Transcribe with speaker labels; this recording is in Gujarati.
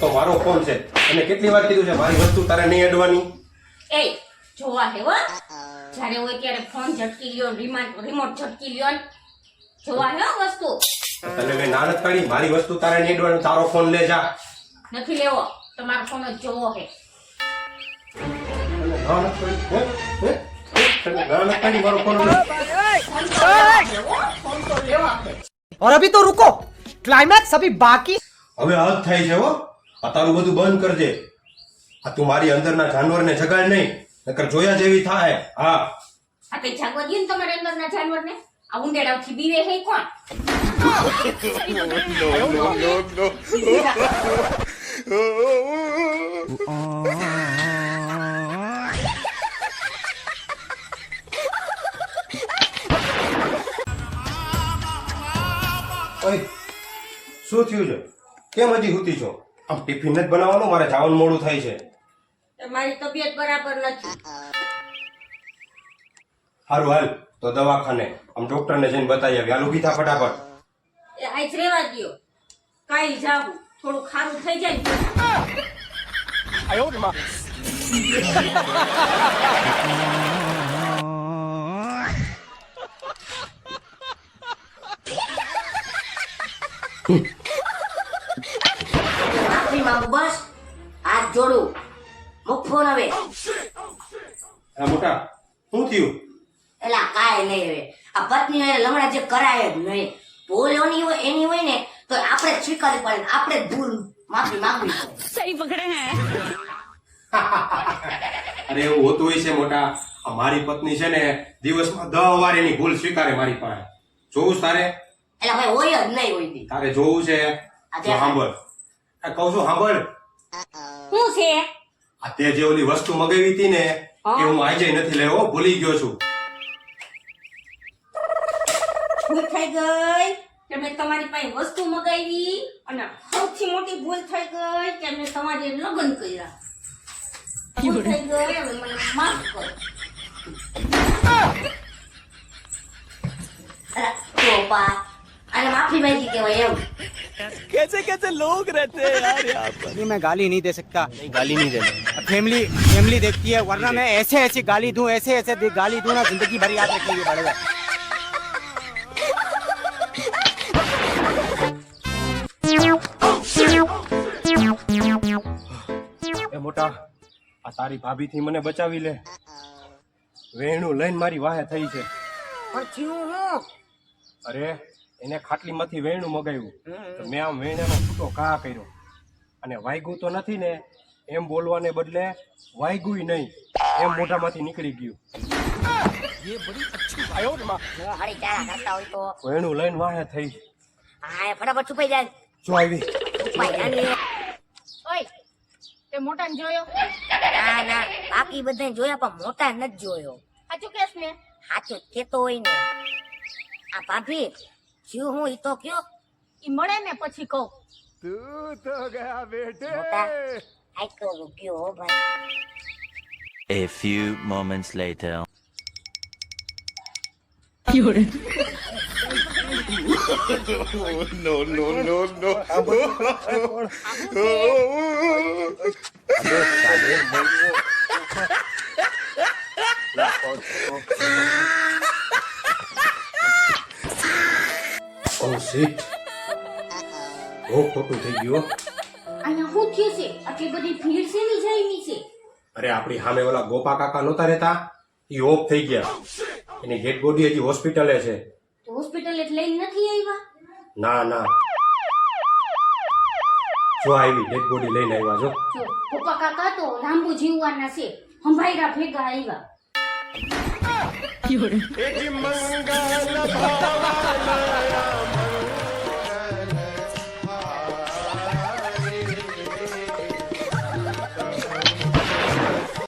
Speaker 1: તો મારો ફોન છે અને કેટલી વાર કીધું છે મારી વસ્તુ તારે નહીં અડવાની.
Speaker 2: એ જોવા હે હો જ્યારે હોય ત્યારે ફોન ઝટકી લ્યો રિમોટ ઝટકી લ્યો જોવા હે વસ્તુ
Speaker 1: તને મેં ના નથી પાડી મારી વસ્તુ તારે નહીં અડવાની. તારો ફોન લે જા.
Speaker 2: નથી લેવો તમારો ફોન જ જોવો હે.
Speaker 1: ના નથી પાડી હે તને ના નથી પાડી મારો ફોન લે.
Speaker 2: ફોન તો લેવા હે.
Speaker 3: और अभी तो रुको क्लाइमैक्स अभी बाकी
Speaker 1: હવે હદ થાય છે હો. આ તારું બધું બંધ કરજે. આ તું મારી અંદરના જાનવરને જગાડ નહીં નકર જોયા જેવી થાય. હા
Speaker 2: આ કઈ જાગવા દે ને તમારે અંદરના જાનવરને. આ ઉંદેડાથી બીવે હે કોણ?
Speaker 1: ઓય શું થયું છે? કેમ હજી હુતી છો? આમ ટિફિન જ બનાવવાનું, મારે જવાનું મોડું થાય છે.
Speaker 2: મારી તબિયત બરાબર નથી.
Speaker 1: હારું હાલ તો દવાખાને આમ ડોક્ટરને જઈને બતાવી આવી. હાલ ઊભી થા ફટાફટ.
Speaker 2: એ આજ રેવા દ્યો. કાઈ જાવું થોડું ખારું થઈ જાય ને
Speaker 4: માફી માંગુ બસ. હાથ જોડું મુખ ફોન હવે.
Speaker 1: હા મોટા શું થયું?
Speaker 4: એલા કાંઈ નહીં હવે. આ પત્ની હારે લમણા જે કરાય જ નહીં. ભૂલ એની હોય ને તો આપણે જ સ્વીકારવી પડે ને આપણે જ ભૂલ માફી માંગવી પડે.
Speaker 2: સહી પકડે હે.
Speaker 1: અરે એવું હોતું હોય છે મોટા. આ મારી પત્ની છે ને દિવસમાં 10 વાર એની ભૂલ સ્વીકારે મારી પાસે. જોવું છે તારે?
Speaker 4: એલા ભાઈ હોય જ નહીં હોય દી.
Speaker 1: તારે જોવું છે તો સાંભળ. આ કહું છું સાંભળ.
Speaker 2: શું છે?
Speaker 1: આ તે જે ઓલી વસ્તુ મગાવી હતી ને એ હું આજે નથી લેવો, ભૂલી ગયો છું.
Speaker 2: ભૂલ થઈ ગઈ કે મેં તમારી પાસે વસ્તુ મગાવી અને સૌથી મોટી ભૂલ થઈ ગઈ કે મેં તમારી લગ્ન કર્યા. ભૂલ થઈ ગઈ હવે મને માફ કરો.
Speaker 4: એલા ચોપા અને માફી માંગી કહેવાય એમ.
Speaker 3: कैसे कैसे लोग रहते हैं यार यहाँ पर नहीं मैं गाली नहीं दे सकता नहीं गाली नहीं देना फैमिली देखती है वरना मैं ऐसे ऐसे गाली दूं ऐसे गाली दूं ना जिंदगी भर याद रखेंगे पड़ेगा
Speaker 1: એ મોટા આ તારી ભાભી થી મને બચાવી લે. વેણું લઈને મારી વાહે થઈ છે.
Speaker 4: પણ થયું હું?
Speaker 1: અરે એને ખાટલીમાંથી વેણું મગાવ્યું તો મેં આમ વેણાનો છૂટો ઘા કર્યો અને વાગ્યું તો નથી ને એમ બોલવાને બદલે વાગ્યું નહીં એમ મોઢામાંથી નીકળી ગયું.
Speaker 4: હું હળી ચારા કરતા હોય તો
Speaker 1: વેણું લઈને વાહે થઈ.
Speaker 4: હા ફટાફટ છુપાઈ જાય.
Speaker 1: જો આવી.
Speaker 4: છુપાઈ જાય ને.
Speaker 2: ઓય તે મોટાને જોયો?
Speaker 4: ના ના બાકી બધાને જોયા પણ મોટા નથી જોયો.
Speaker 2: સાચું કેસ ને?
Speaker 4: સાચું કેતો હોય ને. આ ભાભી શું હું ઈ તો કયો
Speaker 2: ઈ મળે ને પછી કહું.
Speaker 3: तू तो गया बेटे
Speaker 4: મોટા આઈ તો ગયો હો ભાઈ.
Speaker 5: A few moments later.
Speaker 1: Oh shit. બહુ ખોટું થઈ ગયું.
Speaker 2: અહીંયા શું થયું છે? આટલી બધી ભીડ શેની જામી છે?
Speaker 1: અરે આપણી સામે ઓલા ગોપા કાકા નહોતા રહેતા એ ઓફ થઈ ગયા. એની ડેડ બોડી હજી હોસ્પિટલે છે.
Speaker 2: તો હોસ્પિટલ એટલે લઈને નથી આવ્યા?
Speaker 1: ના ના જો આવી ડેડ બોડી લઈને આવ્યા. જો
Speaker 2: જો પપ્પા કાકા તો લાંબુ જીવવાના છે. હંભાઈરા ભેગા આવ્યા.